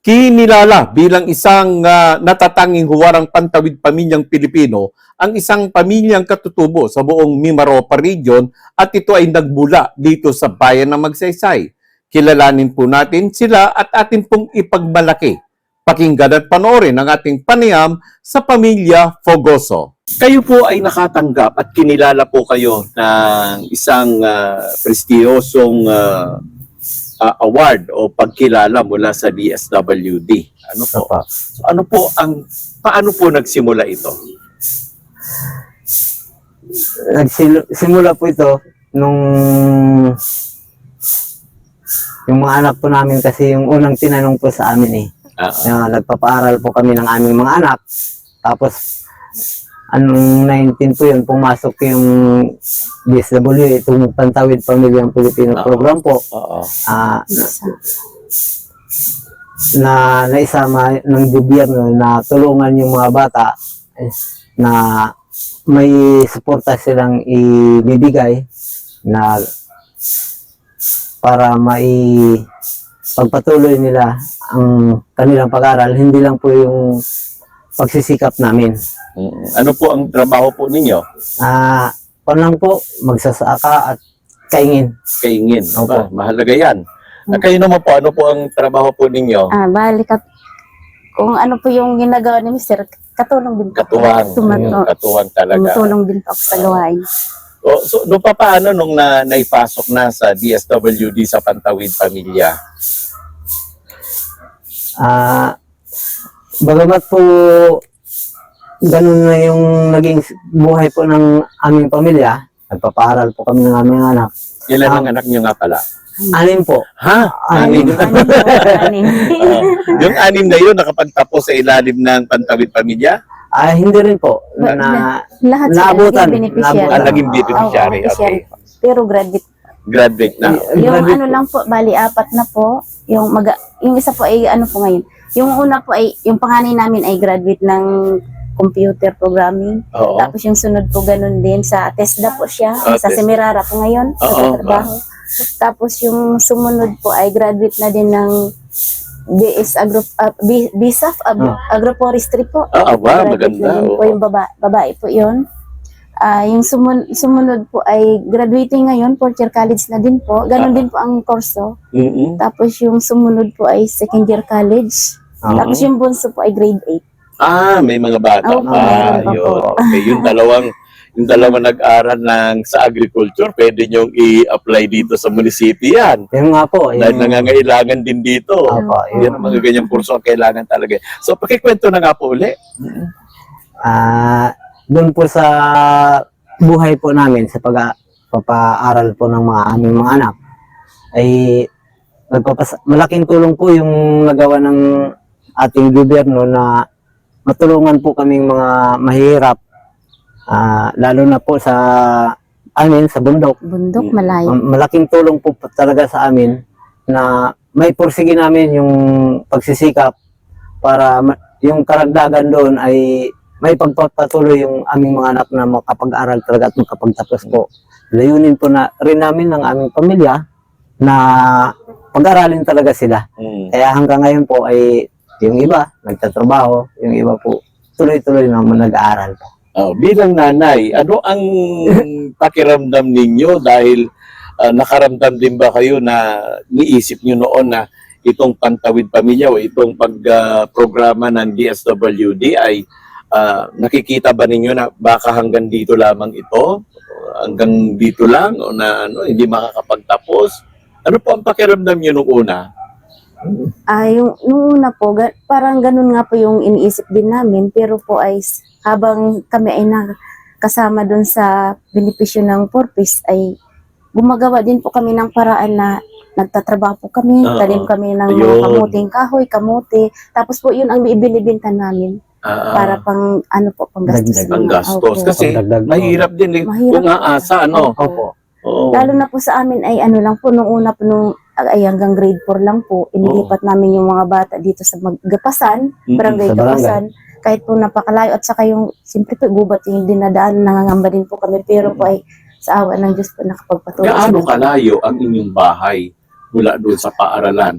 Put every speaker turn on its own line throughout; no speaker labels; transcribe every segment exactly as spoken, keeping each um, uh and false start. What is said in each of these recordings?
Kinilala bilang isang uh, natatanging huwarang pantawid pamilyang Pilipino ang isang pamilyang katutubo sa buong Mimaropa region at ito ay nagmula dito sa bayan ng Magsaysay. Kilalanin po natin sila at atin pong ipagmalaki. Pakinggan at panoorin ang ating panayam sa pamilya Fogoso. Kayo po ay nakatanggap at kinilala po kayo ng isang uh, prestiyosong uh, uh, award o pagkilala mula sa D S W D. Ano po? So, ano po ang paano po nagsimula ito?
Nagsimula po ito nung yung mga anak po namin kasi yung unang tinanong po sa amin eh.
Uh-huh.
Na nagpapaaral po kami ng aming mga anak. Tapos anong nineteen po yun, pumasok yung D S W, itong Pantawid Pamilyang Pilipino
Uh-oh.
program po.
Oo.
Ah, na naisama ng gobyerno na tulungan yung mga bata eh, na may suporta silang ibibigay na para mai pagpatuloy nila ang kanilang pag-aral, hindi lang po yung pagsisikap namin.
Ano po ang trabaho po ninyo?
Ah, uh, lang po, magsasaka at kaingin.
Kaingin.
Opo.
Ba, mahalaga yan. At kayo naman po, ano po ang trabaho po ninyo?
Ah, bali kat kung ano po yung ginagawa ni Mister, katulong din po.
Katuwang.
Tumato,
Katuwang talaga.
tumutulong din po ako sa gawain.
O, so, no pa paano nung na, naipasok na sa D S W D sa Pantawid Pamilya?
Ah, bagamat po ganun na yung naging buhay po ng aming pamilya, nagpapaaral po kami ng aming anak.
Ilan ang
Ah.
anak niyo nga pala?
Anim po.
Ha?
Anim.
Anim po, anim.
Ah, yung anim na yun nakapagtapos sa ilalim ng Pantawid Pamilya?
Ah, hindi rin po.
Na-
Na,
Lahat sila
Naabutan.
naging beneficiary.
Ah, naging beneficiary.
Oo, beneficiary
Okay.
po. Pero graduate.
Graduate na.
Ay,
Yung
graduate
ano
po.
lang po, bali apat na po. Yung mag yung isa po ay ano po ngayon. Yung una po ay, yung panganay namin ay graduate ng computer programming.
Oo.
Tapos yung sunod po ganun din sa TESDA po siya,
Ah,
sa
TESDA.
Semirara po ngayon,
Oo,
sa trabaho. Tapos yung sumunod po ay graduate na din ng B S Agro, uh, B, BSAF, Agro, Agroforestry po.
Ah, aba,
Graduate
maganda.
na din po
Oo.
yung baba, babae po yun. Ah, yung sumun, sumunod po ay graduating ngayon, fourth year college na din po. Ganon
Ah.
din po ang kurso.
Mm-mm.
Tapos yung sumunod po ay second year college.
Oo.
Tapos yung bunso po ay grade eight.
Ah, may mga bata
Oo,
pa.
meron pa
Yun.
po.
Okay, yung dalawang yung dalawang nag-aral ng sa agriculture, pwede niyong i-apply dito sa munisipyo yan.
Yung nga po.
Dahil
Yung,
nangangailangan din dito.
Opo,
Yan ang mga ganyang kurso ang kailangan talaga. So, pakikwento na nga po uli.
ah, doon po sa buhay po namin, sa pag papa-aral po ng mga aming mga anak, ay nagpapas malaking tulong po yung nagawa ng ating gobyerno na matulungan po kaming mga mahirap, ah, lalo na po sa amin, sa bundok.
Bundok,
Mm.
malayo.
Ma- Malaking tulong po talaga sa amin na may pursige namin yung pagsisikap para ma- yung karagdagan doon ay may pagpapatuloy yung aming mga anak na makapag-aral talaga at makapagtapos po. Layunin po na rin namin ng aming pamilya na pag-aralin talaga sila.
Mm.
Kaya hanggang ngayon po ay yung iba nagtatrabaho, yung iba po tuloy-tuloy naman nag-aaral po.
Oh, bilang nanay, ano ang pakiramdam ninyo dahil ah, nakaramdam din ba kayo na niisip nyo noon na itong Pantawid Pamilya o itong pagprograma ng D S W D ay ah, nakikita ba ninyo na baka hanggang dito lamang ito? Hanggang dito lang o na ano, hindi makakapagtapos? Ano po ang pakiramdam nyo nung una?
Ah, yung nung una po, ga, parang ganun nga po yung iniisip din namin, pero po ay s- habang kami ay nakasama doon sa benepisyo ng Porpis ay gumagawa din po kami ng paraan na nagtatrabaho po kami,
Oo.
talim kami ng mga
Ayun.
kamuting kahoy, kamote. Tapos po yun ang ibinibinta namin
Ah,
para pang ano po, panggastos.
Dagdag.
ng-
panggastos.
Opo.
Kasi
Pagdagdag po.
mahirap din eh.
Mahirap
Kung
po.
aasa, ano?
Opo.
Oo.
Lalo na po sa amin ay ano lang po, nung una po nung ay hanggang grade four lang po, inilipat namin yung mga bata dito sa Gapasan,
Mm-mm,
barangay
sa barangay.
Gapasan, kahit po napakalayo at saka yung, siyempre po gubat yung dinadaan, nangangamba din po kami, pero po ay sa awa ng Diyos po nakapagpatuloy.
Gaano kalayo ang inyong bahay mula doon sa paaralan?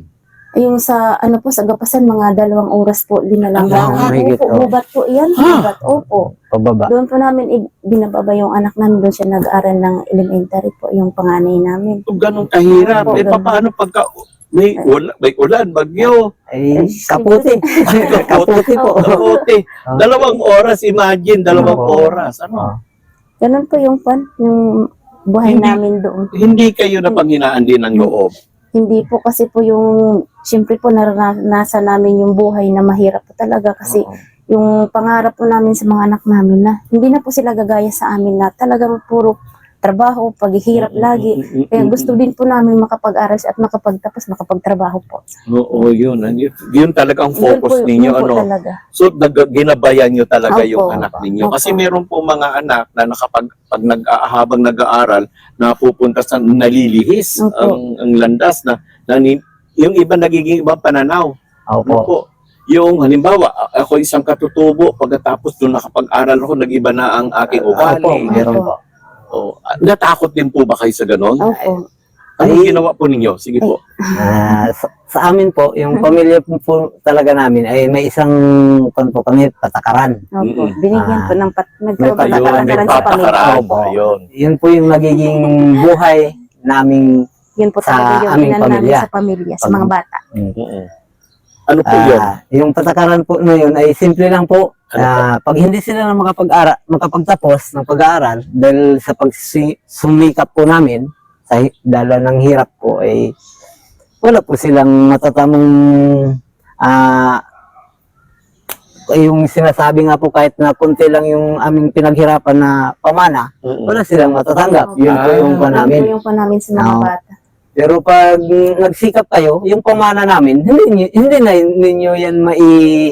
Ay, yung sa, ano po, sa Gapasan, mga dalawang oras po, din na lang.
Ah, mahigit,
Opo,
oh.
bubat po yan.
Ha?
Bubat, opo.
Pababa.
Doon po namin i- binababa yung anak namin. Doon siya nag-aral ng elementary po, yung panganay namin.
Kung ganun kahirap,
Opo,
eh
ganun.
paano pagka may, ula, may ulan, bagyo,
Ay, kaputi. Kaputi po.
kapote. Dalawang oras, imagine, dalawang
Opo.
oras. Ano?
Ganun po yung pan, yung buhay
Hindi-
namin doon.
Hindi kayo napanghinaan din ng loob.
Hindi po kasi po yung, siyempre po naranasan namin yung buhay na mahirap po talaga kasi
Oo.
yung pangarap po namin sa mga anak namin na hindi na po sila gagaya sa amin na talagang puro trabaho, paghihirap lagi. Kaya gusto din po namin makapag-aral at makapagtapos, makapagtrabaho po.
Oo, yun. Yun, yun talaga ang
Yun po-
focus ninyo.
yun po
Ano?
talaga.
So, nag- ginabayan nyo talaga
Opo.
yung anak ninyo.
Opo.
Kasi meron po mga anak na nakapag, pag nag, habang nag-aaral, napupunta sa nalilihis
Opo.
ang, ang landas na, na ni- yung iba nagiging ibang pananaw. Ano
Opo.
po? Yung halimbawa, a- ako isang katutubo, pagkatapos doon nakapag-aral ako, nag-iba na ang aking
Opo,
ugali.
meron po.
Oh, natakot din po ba kayo sa ganon?
Opo.
Anong
Ay-
ginawa po ninyo? Sige po.
Ah, sa, sa amin po, yung pamilya po, po talaga namin ay may isang kon po kami patakaran.
Opo.
Mm-mm.
Binigyan po
Ah,
ng pat,
may
Ayun,
nagpapatakaran
may
sa pamilya.
patakaran.
Opo.
Ayun.
Yun po yung nagiging buhay naming
Yun po
Sa
talaga yung
aming
inan namin
pamilya.
sa pamilya, sa mga bata.
Mm-mm. Ano po yun?
ah, yung patakaran po na yun ay simple lang po.
Ano
Ah, pag hindi sila na makapag-ara, makapagtapos ng pag-aaral dahil sa pagsumikap po namin sa hi- dala ng hirap po ay wala po silang matatamang ah yung sinasabi nga po kahit na konti lang yung aming pinaghirapan na pamana,
Mm-mm.
wala silang matatanggap. Yun po
Ah,
yung pa
Yun
namin.
po yung pa namin sa mga
Oo.
bata.
Pero pag mm, nagsikap kayo, yung pamana namin, hindi, nyo- hindi na ninyo yan mai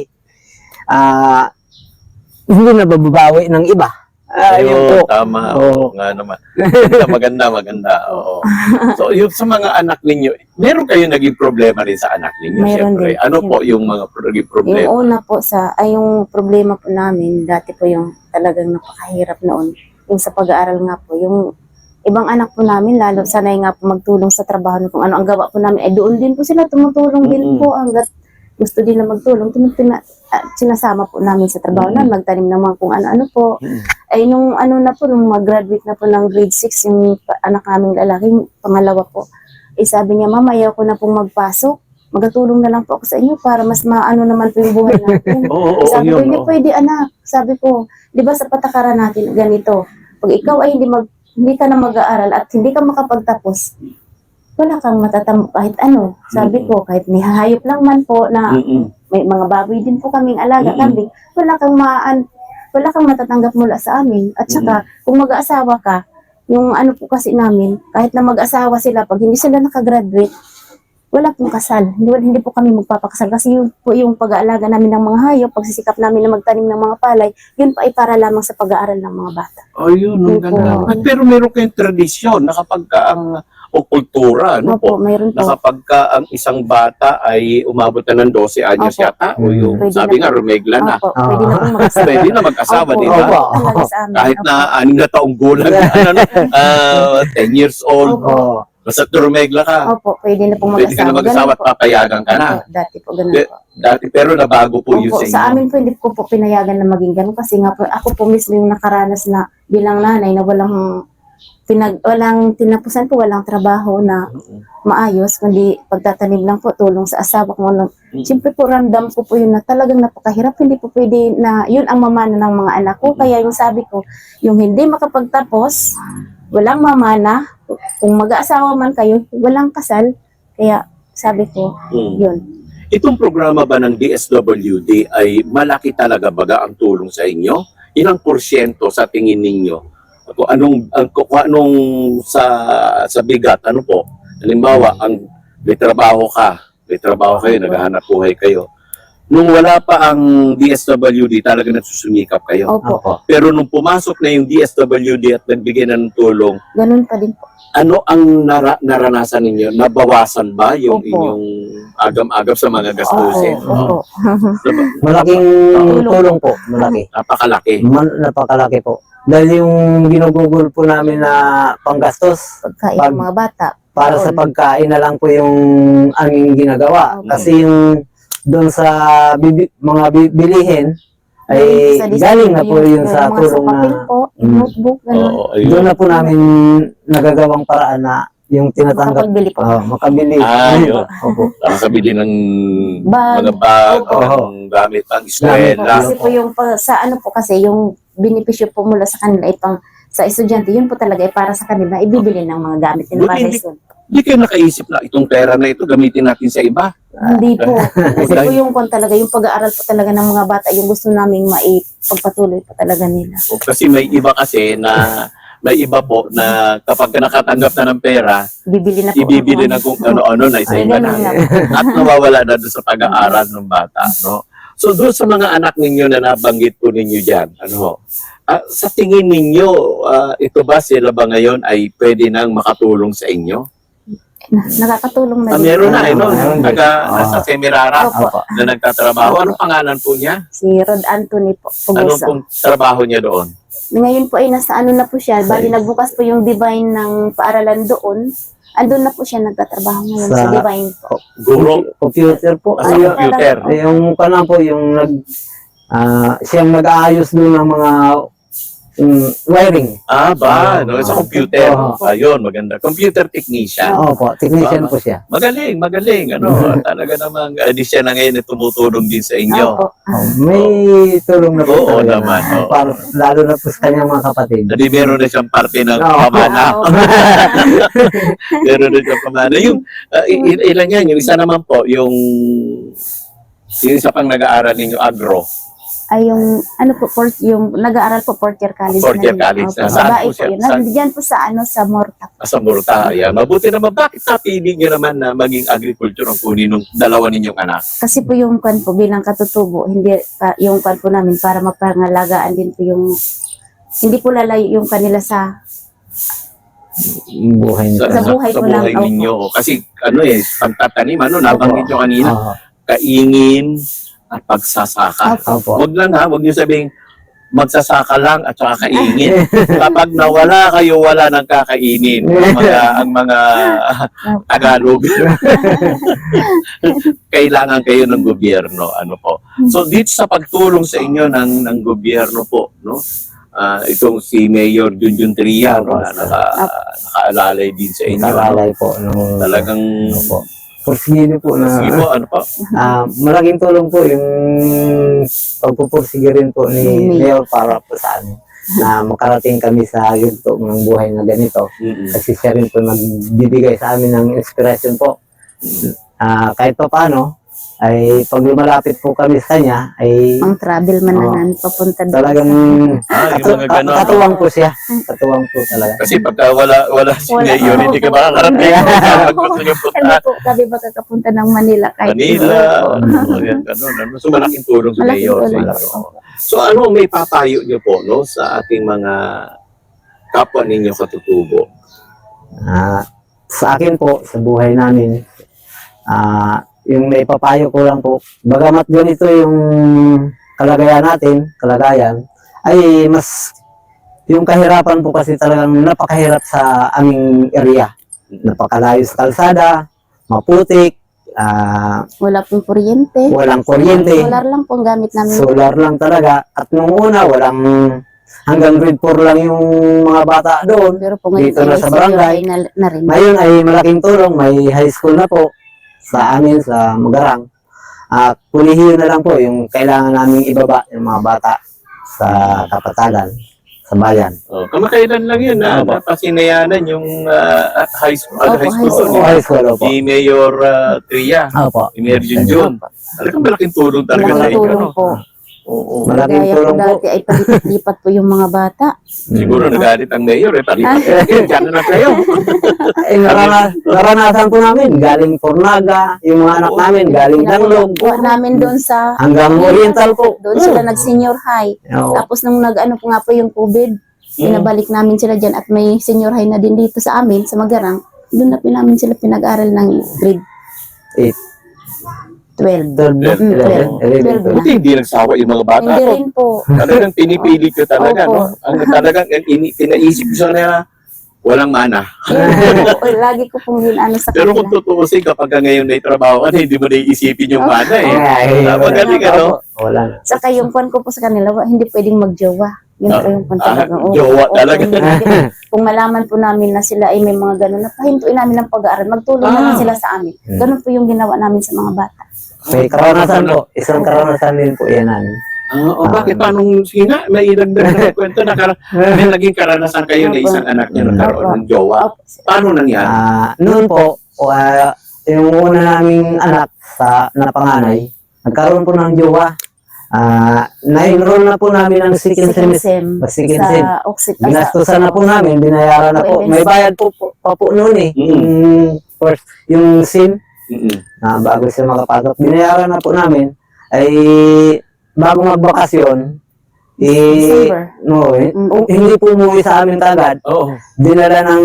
ah hindi na bababawi ng iba. Ah, yun
Ayun,
po.
tama.
Oo.
Oo, nga naman. Maganda, maganda, maganda. Oo. So, yung sa mga anak ninyo, meron kayo naging problema rin sa anak ninyo,
Meron
syempre.
din.
Ano po yung mga pro- naging problema?
Yung una po sa, ay yung problema po namin, dati po yung talagang napakahirap noon. Yung sa pag-aaral nga po, yung ibang anak po namin, lalo sanay nga po magtulong sa trabaho kung ano ang gawa po namin, eh doon din po sila tumutulong din
Mm-mm.
po hanggat gusto din na magtulong. Tinupina, ah, sinasama po namin sa trabaho
Mm-mm.
na magtanim naman kung ano-ano po.
Mm-mm.
Ay nung ano na po, nung mag-graduate na po ng grade six, yung pa- anak naming lalaki, yung pangalawa po, eh sabi niya, mama, ayaw ko na pong magpasok. Magatulong na lang po ako sa inyo para mas maano naman po yung buhay natin.
Oo, oo,
Sabi ko,
yun.
hindi
oo.
pwede anak. Sabi ko, di ba sa patakaran natin ganito, pag ikaw ay hindi mag hindi ka na mag-aaral at hindi ka makapagtapos, wala kang matatamo kahit ano. Sabi ko, kahit nihayop lang man po na
Mm-mm.
may mga baboy din po kaming alaga,
Mm-mm.
kambing, wala kang maan, wala kang matatanggap mula sa amin. At saka, kung mag-aasawa ka, yung ano po kasi namin, kahit na mag-asawa sila, pag hindi sila nakagraduate, wala pong kasal. Hindi, hindi po kami magpapakasal kasi yun po yung pag-aalaga namin ng mga hayop, pagsisikap namin na magtanim ng mga palay, yun pa ay para lamang sa pag-aaral ng mga bata.
Ayun, ang
Opo.
ganda. At pero meron kayong tradisyon na kapag ka ang o kultura, ano po,
Opo, mayroon
na
po.
kapag ka ang isang bata ay umabot na ng twelve anyos
Opo.
yata, o yung
Pwede
sabi
na
nga,
po.
rumegla na.
Opo, pwede na pong mag-asawa.
Pwede na mag-asawa,
Opo,
di ba?
Opo.
talaga sa amin.
Kahit
Opo.
na anim na taong gulang, ano, no, ah, ten years old,
Opo.
oh,
basta rumegla ka,
Opo, pwede na pong
pwede ka na
mag-asawa.
mag-asawa at
Ganun po.
papayagan ka na.
Opo, dati po ganun
Di-
po.
Dati, pero nabago po yun
Opo,
sa inyo.
sa amin po hindi ko po pinayagan na maging ganun kasi nga po ako po mismo yung nakaranas na bilang nanay na walang pinag walang tinapusan po, walang trabaho na maayos kundi pagtatanim lang po, tulong sa asawa ko. Ano.
Mm.
Siyempre po ramdam ko po yun na talagang napakahirap, hindi po pwede na yun ang mamana ng mga anak ko. Kaya yung sabi ko, yung hindi makapagtapos, walang mamana, kung mag-aasawa man kayo, walang kasal. Kaya sabi ko,
Mm.
yun.
Itong programa ba ng D S W D ay malaki talaga baga ang tulong sa inyo? Ilang porsyento sa tingin ninyo? Kung anong, ang, kung anong sa, sa bigat, ano po? Halimbawa, ang may trabaho ka, may trabaho kayo, naghahanap buhay kayo. Nung wala pa ang D S W D, talaga nagsusumikap kayo.
Opo,
opo.
Pero nung pumasok na yung D S W D at nagbigay na ng tulong,
ganun pa din po.
ano ang nara- naranasan ninyo? Nabawasan ba yung
Opo.
inyong agam-agam sa mga gastusin?
Opo, opo.
Diba?
Malaking
Tulong.
tulong po, malaki.
Napakalaki.
Man, napakalaki po. Dahil yung ginugugol po namin na panggastos,
Pagkain
Pag-
ng mga bata,
para sa
Taon.
pagkain na lang po yung aming ginagawa.
Okay.
Kasi yung doon sa bibi- mga bi- bilihin, ay
Sa design
galing na po yun
yung
sa
mga
tulong
papel
na
po,
Mm.
notebook, ganun.
Oo, ayun.
doon na po namin nagagawang paraan na yung tinatanggap.
Makapagbili po.
Oh, makabili.
Ah, yun.
Opo.
Nakakabili ng
Bag.
mga bag,
Opo.
ng gamit pang
Opo,
eskwela.
kasi po yung pa- sa ano po kasi yung benepisyo po mula sa kanila ay pang sa estudyante, yun po talaga ay para sa kanila ibibili ng mga gamit nila para sa
Buti-
school.
Hindi kayo nakaisip na itong pera na ito gamitin natin sa iba.
Hindi po. Kasi
Dahil-
po yung kon talaga, yung pag-aaral po talaga ng mga bata, yung gusto naming maipagpatuloy po talaga nila.
O, kasi may iba kasi na may iba po na kapag nakatanggap na ng pera,
Bibili na po.
ibibili
ng-
na kung ano-ano na isa
Ay,
iba
ganun
na.
lang.
At nawawala na doon sa pag-aaral ng bata. No? So doon sa mga anak ninyo na nabanggit po ninyo dyan, ano, ah, sa tingin ninyo, ah, ito ba sila ba ngayon ay pwede nang makatulong sa inyo?
Nakakatulong na
Ah,
din.
meron na, eh, no?
Meron din.
Taga,
Ah.
nasa Semirara
Opo.
Opo.
na nagtatrabaho. Anong pangalan po niya?
Si Rod Anthony po.
Anong
Pugusa.
pong trabaho niya doon?
Ngayon po ay nasa ano na po siya. Bali nagbukas po yung Divine ng paaralan doon. Andun na po siya nagtatrabaho ngayon sa,
Sa-
Divine po.
Guro?
Computer po.
Ah, sa
Ay,
computer.
ay, yung kanan po, yung nag, ah, siyang nag-aayos doon ng mga mm, wiring.
Ah, ba? No, sa computer.
Oo.
Ayun, maganda. Computer technician.
Opo, technician
Ah.
po siya.
Magaling, magaling. Ano, talaga namang uh, di siya na ngayon na tumutulong din sa inyo.
Opo.
Oh, may tulong na po.
Oo
talaga
naman,
na-
oo.
para, lalo na po sa kanyang mga kapatid.
Hindi meron na siyang parte ng
Oo.
pamana.
Oo.
Meron na siyang pamana. Yung, uh, il- ilan yan? Yung isa naman po, yung yung isa pang nag-aaral ninyo, agro.
Ay yung ano po, fourth, yung nag-aaral po fourth year college.
Fourth year
na yun.
college
Opo,
na. Saan
babae
po
po
siya?
yun.
Saan?
Nandiyan po sa ano, sa Morta.
Sa Murta. Ayan. Mabuti naman. Bakit napili nyo naman na maging agriculture ang kunin ng dalawa ninyong anak?
Kasi po yung kwan po bilang katutubo, hindi pa, yung kwan po namin para mapangalagaan din po yung hindi po lalayo yung kanila sa
Buhay niya.
Sa buhay
sa
ko lang,
buhay
opo.
ninyo. Kasi ano eh, pagtatanim, ano, nabanggit nyo kanina,
Oo.
kaingin at pagsasaka.
Opo.
Huwag lang ha, huwag nyo sabing magsasaka lang at saka kaingin. Kapag nawala kayo, wala nang kakainin. Ang mga, ang mga Tagalog. Kailangan kayo ng gobyerno. Ano po. So, dito sa pagtulong sa inyo ng, ng gobyerno po, no? Ah, itong si Mayor Junjun Tria, no, na naka, nakaalalay din sa inyo. ano?
Nakakalay po. Nung,
Talagang,
Opo. Pursige po na,
sige po, ano po?
ah, malaking tulong po yung pagpupursige rin po ni
Mm.
Mayor para po sa amin na makarating kami sa yugto ng buhay na ganito.
Mm-mm.
Kasi siya rin po nagbibigay sa amin ng inspiration po. Ah, kahit pa paano, ay pag lumalapit po kami sa kanya, ay
pang travel man
Oo.
na nga, papunta doon.
talagang
Ah, yung
katu-
mga ganon.
katuwang po siya. Katuwang po talaga.
Kasi pagka wala, wala si
Wala.
Mayor, hindi ka makakarating. Pag gusto nyo punta
Ano po, kami baka kapunta ng Manila kahit
Manila,
Oo.
ano, yan, ganun, ano. So, malaking tulong si
Malaking
Mayor. sa
tulong.
inyo. So, ano may papayo nyo po, no, sa ating mga kapwa ninyo katutubo?
Ah, sa akin po, sa buhay namin, ah, yung naipapayo ko lang po, bagamat ganito yung kalagayan natin, kalagayan, ay mas yung kahirapan po kasi talagang napakahirap sa aming area. Napakalayo sa kalsada, maputik, ah,
Wala pong kuryente.
walang kuryente,
Solar lang pong gamit namin.
solar lang talaga. At nung una, walang hanggang grade four lang yung mga bata doon.
Pero po ngayon
Dito na
ay
sa
senior
barangay.
high na, na rin.
Ngayon ay malaking tulong, may high school na po sa amin, sa Magarang. At pulihin na lang po yung kailangan naming ibaba yung mga bata sa kapatagan, sa bayan.
Oh, kamakailan lang yun na
Opo.
napasinayanan yung ah, high school,
Opo,
high
high
school,
school.
ni,
High school po.
ni Mayor ah, Tria,
Opo.
ni Mayor Junjun. Talagang malaking tulong talaga sa inyo.
Nakatulong
No?
po.
Oo.
Malaking
Gaya po
tulong po.
dati ay palipat-lipat po yung mga bata.
Siguro nagalit ang Mayor eh. Palipat kayo, dyan na lang kayo.
Eh, narana, naranasan po namin, galing Pornaga, yung mga anak namin, galing Danlog,
Pinakuha namin doon sa
hanggang Oriental po.
doon sila nag-senior high.
Oo.
Tapos nung nag-ano po nga po yung COVID,
Mm.
pinabalik namin sila dyan at may senior high na din dito sa amin, sa Magarang. Doon na namin sila pinag-aral ng grade
Eight.
twelve.
Third,
Mm,
eleven, eleven,
twelve.
twelve.
Buti hindi nagsawa yung mga bata
Hindi
ko.
rin po.
Talagang pinipili ko talaga,
Opo.
no? Ang talagang ang ini, pinaisip ko na Walang mana.
Oo, lagi ko pong ginano sa
Pero
kanila.
kung tutuusin, kapag ka ngayon may trabaho ka, hindi mo na iisipin yung mana eh.
Ay,
Ah, magaling, ano?
Wala na.
Saka yung kwan ko po sa kanila, wa- hindi pwedeng magjowa. Yun
Ah,
po yung kwan
ah,
talaga. Oo,
jowa
oo,
talaga.
Kung, hindi- kung malaman po namin na sila ay may mga gano'n, napahintuin namin ng pag-aaral, magtulong
Ah.
naman sila sa amin.
Hmm.
Ganun po yung ginawa namin sa mga bata.
May karanasan po. Isang karanasan din po yan namin.
Ah, o bakit? Paano, sige nga, may idagdag na kwento na kar- may naging karanasan kayo na isang anak niya nagkaroon ng jowa.
Opo.
Paano nangyari?
Ah, noon po, ah, yung una naming anak sa na panganay, nagkaroon po ng jowa. Ah, na-enroll na po namin ng second
Second
semester.
sem.
Second
Sa
sem.
Oxit.
Ginastusan na po namin, binayaran na po. May bayad po, po pa po noon eh.
Mm.
Yung first, yung SIM,
Mm-mm.
na bago sila makapasok, binayaran na po namin. Ay, bago magbakasyon, eh,
December.
no, eh,
Mm.
hindi po umuwi sa amin kagad.
Oo.
Dinala ng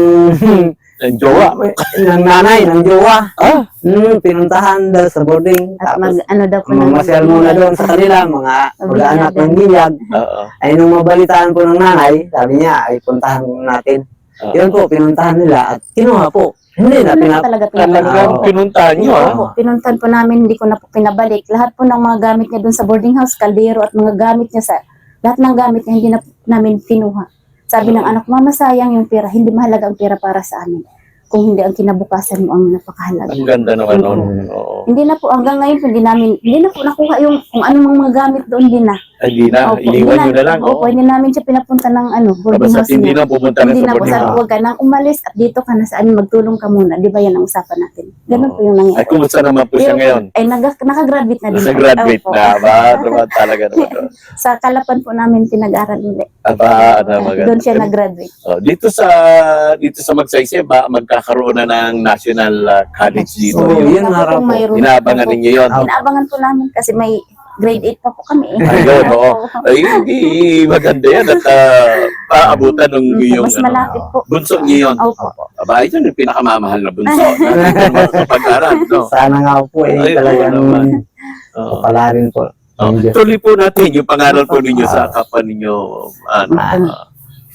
Ang jowa.
ng nanay, ng jowa.
Ah,
Hmm, pinuntahan daw sa boarding.
At
Tapos,
mag, ano daw po ng-
mamasyal muna doon sa kanila, mga mag-anak ng bilyag.
oo.
Ay, nung mabalitaan po ng nanay, sabi niya, ay puntahan natin.
Oo.
Yun po, pinuntahan nila at kinuha po. Hindi na
Hindi na
pinap...
talaga pinabalik.
Talagang
Oo.
pinuntahan nyo,
Oo
ah.
po, pinuntan po namin, hindi ko na po pinabalik. Lahat po ng mga gamit niya doon sa boarding house, kaldero at mga gamit niya sa, lahat ng gamit niya hindi na po namin kinuha. Sabi ng
Oo.
anak, mama sayang yung pera, hindi mahalaga ang pera para sa amin. Kung hindi ang kinabukasan mo ang napakahalaga.
Ang ganda naman nun.
Mm.
Oo.
Hindi na po, hanggang ngayon po, hindi namin, hindi na po nakuha yung kung anong mga gamit doon, hindi na.
Ay, Hindi na,
Opo,
iniwan nyo na lang.
Opo,
Oo.
hindi namin siya pinapunta ng ano, boarding
Basta
house
hindi
niya.
na pumunta na
Hindi
sa
na po,
boarding
sabi,
house.
huwag ka nang umalis at dito ka na sa amin, magtulong ka muna. Di ba yan ang usapan natin? Ganun
Oo.
po yung nangyari.
Ay, kumusta naman po siya
Pero,
ngayon?
Ay, nag, nakagraduate na din.
Nasa
po.
graduate
Opo.
na ba? Diba talaga naman? oh.
Sa Kalapan po namin pinag-aral ulit.
Aba, ano, maganda.
Doon siya nag-graduate.
Oh, dito sa dito sa Magsaysay ba magkakaroon na ng National uh, College dito?
Oo,
Yung
yun nga raw
Kung
po.
mayroon
inaabangan
po.
ninyo yun.
Ah,
Inaabangan po namin kasi may grade eight pa po kami. eh.
Ayun, oo.
Opo.
Ay, hindi maganda yan at uh, paabutan ng
Mm,
iyong
Mas
ano,
malapit po.
bunso niyo yun.
Opo.
Aba, ito yung pinakamamahal na bunso na sa pag-aral. No?
Sana nga po eh,
Ay, oo
talagang
naman. Oo.
kapalarin po.
Oh,
Ang Diyos.
tuloy po natin yung pangaral po ninyo sa kapwa ninyo ano,
Ah.
uh,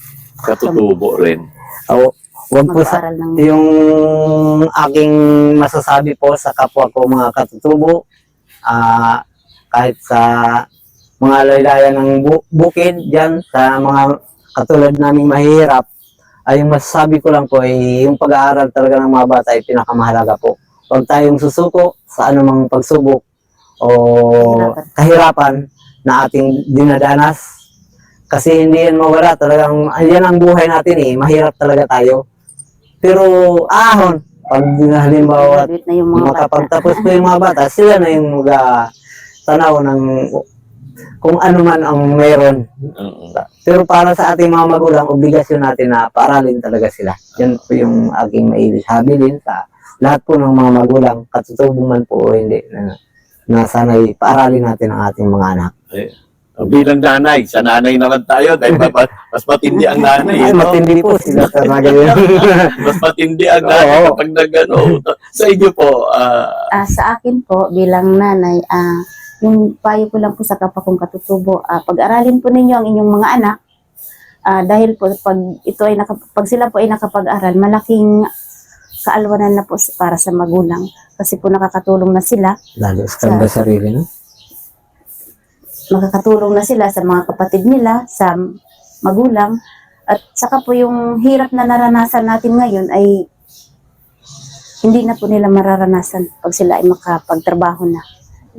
katutubo rin.
Oh, wag po sa
Mag-aaral ng
yung aking masasabi po sa kapwa ko mga katutubo, ah kahit sa mga laylayan ng bu- bukid dyan, sa mga katulad naming mahihirap, ay yung masasabi ko lang po ay yung pag-aaral talaga ng mga bata ay pinakamahalaga po. Huwag tayong susuko sa anumang pagsubok o kahirapan na ating dinadanas. Kasi hindi yan mawala, talagang yan ang buhay natin eh, mahirap talaga tayo. Pero ahon, pag halimbawa
graduate na yung mga bata.
makapagtapos po yung mga bata, sila na yung mag tanaw ng kung ano man ang meron.
Oo.
Pero para sa ating mga magulang, obligasyon natin na paaralin talaga sila. Yan po yung aking maisabi din sa lahat po ng mga magulang, katutubo man po o hindi, na, na sana'y paaralin natin ang ating mga anak.
Eh, bilang nanay, sa nanay naman tayo dahil ma- ma- mas matindi ang nanay.
Ay,
no?
matindi po sila talaga yun.
Mas matindi ang nanay
Oo.
kapag nagano. Sa inyo po, ah,
Ah, sa akin po, bilang nanay, ah, yung payo ko lang po sa kapwa kong katutubo, ah, pag-aralin po ninyo ang inyong mga anak, ah, dahil po pag, ito ay naka, pag sila po ay nakapag-aral, malaking kaalwanan na po para sa magulang. Kasi po nakakatulong na sila,
Lalo sa kanda sarili, no?
makakatulong na sila sa mga kapatid nila, sa magulang, at saka po yung hirap na naranasan natin ngayon ay hindi na po nila mararanasan pag sila ay makapagtrabaho na.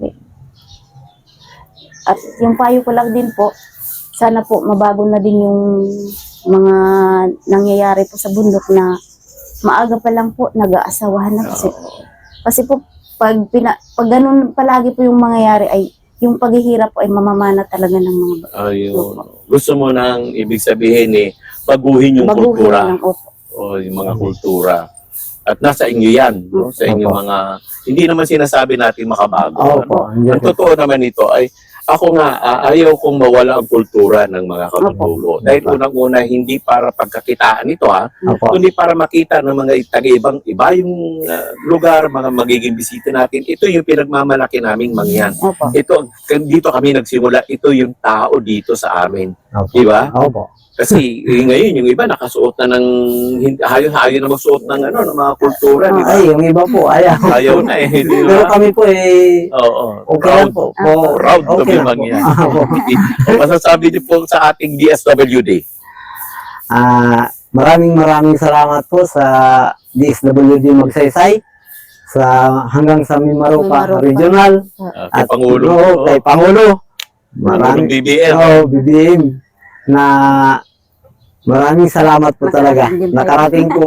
At yung payo ko lang din po, sana po mabago na din yung mga nangyayari po sa bundok na maaga pa lang po nag-aasawahan na kasi. Kasi po pag, pina, pag ganun palagi po yung mangyayari ay yung paghihirap po ay mamamana talaga ng mga ba-
ayun. Gusto mo nang ibig sabihin eh, baguhin yung
baguhin
kultura
ng opo.
o yung mga kultura. At nasa inyo yan, no? Sa inyo
Opo.
mga, hindi naman sinasabi natin makabago. ano?
Opo, andyan
Ang
po.
totoo naman ito ay, ako nga, ah, ayaw kong mawala ang kultura ng mga katutubo. Dahil
Opo.
unang-una, hindi para pagkakitaan ito ha,
Opo.
kundi para makita ng mga taga-ibang iba yung ah, lugar, mga magiging bisita natin. Ito yung pinagmamalaki naming mangyan.
Opo.
Ito, dito kami nagsimula, ito yung tao dito sa amin.
Opo.
Di ba?
Opo.
Kasi eh, ngayon, yung iba nakasuot na ng, hindi- hayo-hayo na magsuot ng, ano, ng mga kultura, di ba?
Ay, yung iba po, ayaw.
Ayaw na eh, di
Pero
ba?
kami po eh,
Oo,
okay lang po. po.
Proud to
okay
be
lang po.
mangyan. O, masasabi niyo po sa ating D S W D.
Ah, maraming maraming salamat po sa D S W D Magsaysay, sa hanggang sa Mimaropa
Mimaropa.
Regional,
Uh, kay
at
Pangulo.
oo, kay Pangulo.
Pangulong
Maraming
B B M.
oh, B B M na maraming salamat po talaga.
Nakarating din tayo.
Nakarating po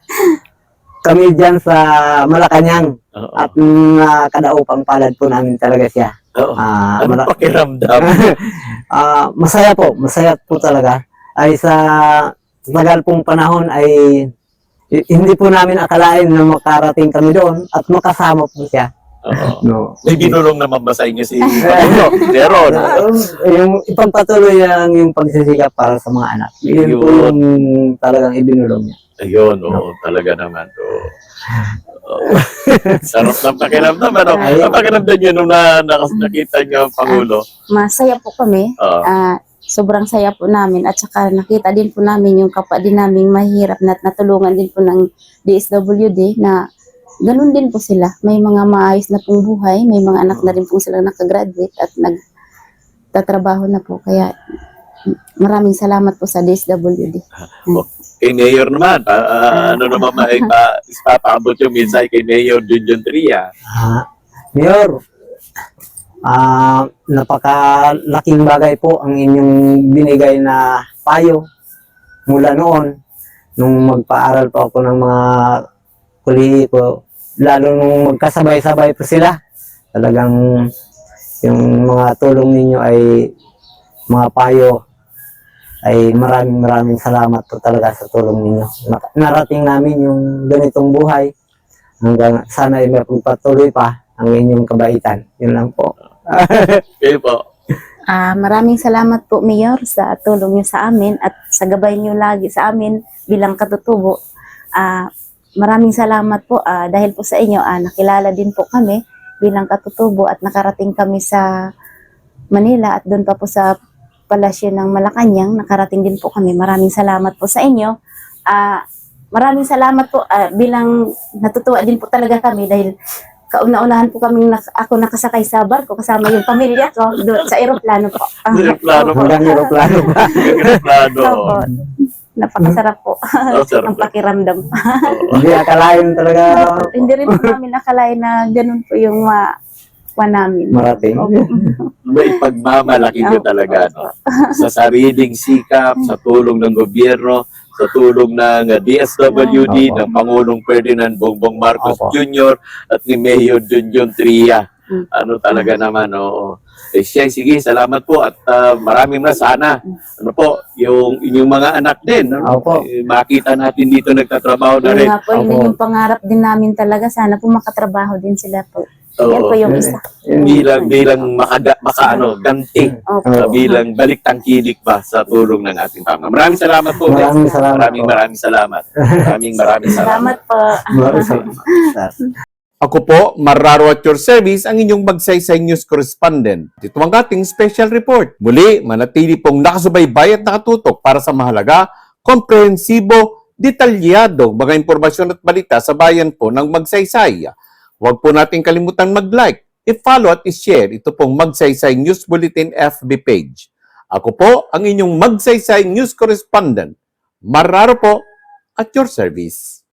kami dyan sa Malacanang
Oo.
at nakadaupang palad po namin talaga siya.
Oo.
Ah,
Ano
mala-
pakiramdam?
Ah, masaya po, masaya po talaga. Ay sa tagal pong panahon ay i- hindi po namin akalain na makarating kami doon at makasama po siya.
Oo.
No.
May binulong naman ba sa inyo si Pangulo? Meron.
Um, yung ipagpatuloy lang yung pagsisikap para sa mga anak. Yun po
Yun.
yung talagang ibinulong niya.
Ayun, oo, talaga naman. Oo. Oo. Sarap ng pakiramdam. Ano?
Ay.
Ang pakiramdam nyo nung na, nakas- nakita nyo ang Pangulo?
Masaya po kami.
Oo.
Ah, sobrang saya po namin at saka nakita din po namin yung kapwa din namin mahirap na at natulungan din po ng D S W D na ganun din po sila. May mga maayos na pong buhay, may mga anak na rin po silang nakagraduate at nagtatrabaho na po. Kaya maraming salamat po sa D S W D.
Kay Mayor naman, pa, ah, ano naman may pa, ipapaabot yung mensahe kay Mayor Junjun Tria.
Ah, Mayor, ah, napakalaking bagay po ang inyong binigay na payo mula noon nung magpaaral po ako ng mga kulihi ko, lalo nung magkasabay-sabay po sila. Talagang yung mga tulong ninyo ay mga payo ay maraming maraming salamat po talaga sa tulong ninyo. Na- Narating namin yung ganitong buhay hanggang sana ay mapagpatuloy pa ang inyong kabaitan. Yun lang po.
Kayo po.
Ah, maraming salamat po, Mayor, sa tulong niyo sa amin at sa gabay niyo lagi sa amin bilang katutubo. Ah, maraming salamat po ah, dahil po sa inyo, ah, nakilala din po kami bilang katutubo at nakarating kami sa Manila at doon pa po sa palasyo ng Malacanang, nakarating din po kami. Maraming salamat po sa inyo. Ah, maraming salamat po ah, bilang natutuwa din po talaga kami dahil kauna-unahan po kami nak- ako nakasakay sa barko kasama yung pamilya ko doon sa eroplano po. Ah,
Plano pa.
Hanggang aeroplano pa.
Plano.
opo. Napakasarap po
Oh, sarap.
ang pakiramdam.
Hindi akalain talaga
Hindi rin po namin nakalain na ganun po yung ma wa namin.
marating.
Opo.
May pagmamalaki nyo talaga. No? Sa sariling sikap, sa tulong ng gobyerno, sa tulong ng uh, D S W D,
Opo.
ng Pangulong Ferdinand Bongbong Marcos
Opo.
Junior at ni Mayor Junjun Tria.
Mm.
Ano talaga naman, oo. Eh, siya, sige, salamat po at uh, maraming na sana. Ano po, yung inyong mga anak din, ano?
Opo.
Eh, makita natin dito nagtatrabaho na
Yun
rin.
nga po, yun
Opo.
yung pangarap din namin talaga. Sana po makatrabaho din sila po. Yan
Oo.
po yung isa.
Bilang, bilang makaga, maka, ano, ganti.
Opo.
Uh, bilang balik tangkilik ba sa tulong ng ating pama. Maraming salamat po.
Maraming
Bes.
salamat
Maraming
po.
maraming salamat. Maraming maraming salamat.
Salamat po.
Maraming salamat.
Ako po, Marraro at your service, ang inyong Magsaysay News Correspondent. Ito ang ating special report. Muli, manatili pong nakasubaybay at nakatutok para sa mahalaga, komprehensibo, detalyado mga impormasyon at balita sa bayan po ng Magsaysay. Huwag po natin kalimutan mag-like, i-follow at i-share ito pong Magsaysay News Bulletin F B page. Ako po, ang inyong Magsaysay News Correspondent, Marraro po at your service.